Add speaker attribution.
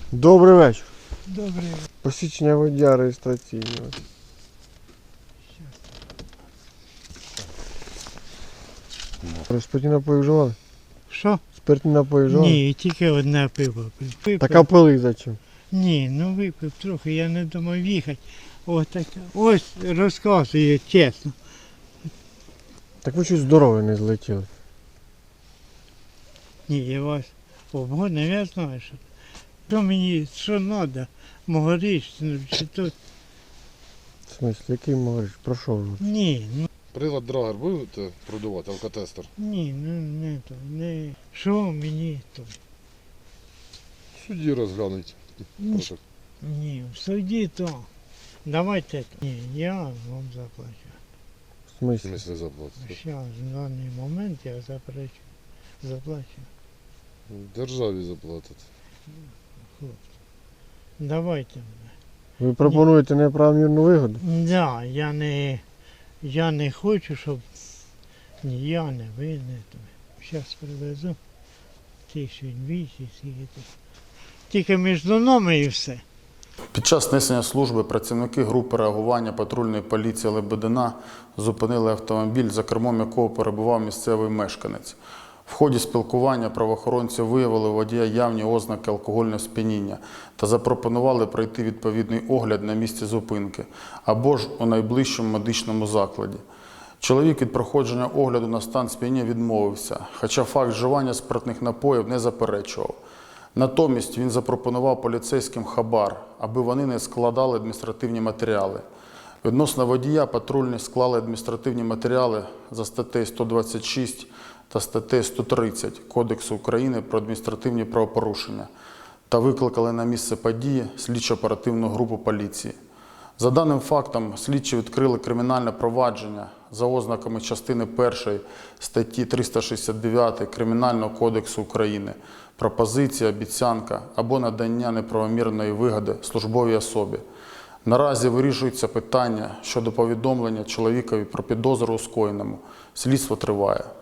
Speaker 1: Добрий вечір.
Speaker 2: Добрий.
Speaker 1: Посвідчення водія реєстраційного. Спиртні напої вживали?
Speaker 2: Що?
Speaker 1: Спиртні напої вживали?
Speaker 2: Ні, тільки одне пиво пив. Випив.
Speaker 1: Так а пили зачем?
Speaker 2: Ні, ну випив трохи, я не думав їхати. Ось розказує чесно.
Speaker 1: Так ви щось здорове не злетіли.
Speaker 2: Ні, я вас обгодив, я знаю, що мені, що треба, могоріч, чи тут.
Speaker 1: В смислі, який можеш? Про що вже?
Speaker 2: Ні, ну
Speaker 3: Прилад Драгер будете продавати, алкотестер?
Speaker 2: ні, ну не то, не. Що мені то?
Speaker 3: В суді розглянуть. Прошу.
Speaker 2: Ні, в суді то. Давайте то. Ні, я вам заплачу.
Speaker 1: В
Speaker 3: В
Speaker 1: смислі?
Speaker 3: смислі заплатити?
Speaker 2: Зараз, в даний момент я заплачу.
Speaker 3: Державі заплатити.
Speaker 2: Хлопці. Давайте.
Speaker 1: Ви пропонуєте неправомірну вигоду?
Speaker 2: Да, я не хочу, щоб ні я, не ви, не то. Зараз привезу 1200, скільки тут. Тільки між нами і все.
Speaker 4: Під час несення служби працівники групи реагування патрульної поліції Лебедина зупинили автомобіль, за кермом якого перебував місцевий мешканець. В ході спілкування правоохоронці виявили у водія явні ознаки алкогольного сп'яніння та запропонували пройти відповідний огляд на місці зупинки або ж у найближчому медичному закладі. Чоловік від проходження огляду на стан сп'яніння відмовився, хоча факт вживання спиртних напоїв не заперечував. Натомість він запропонував поліцейським хабар, аби вони не складали адміністративні матеріали. Відносно водія патрульні склали адміністративні матеріали за статтею 126 та статтею 130 Кодексу України про адміністративні правопорушення та викликали на місце події слідчо-оперативну групу поліції. За даним фактом, слідчі відкрили кримінальне провадження за ознаками частини 1 статті 369 Кримінального кодексу України «Пропозиція, обіцянка або надання неправомірної вигоди службовій особі». Наразі вирішується питання щодо повідомлення чоловікові про підозру у скоєному. Слідство триває.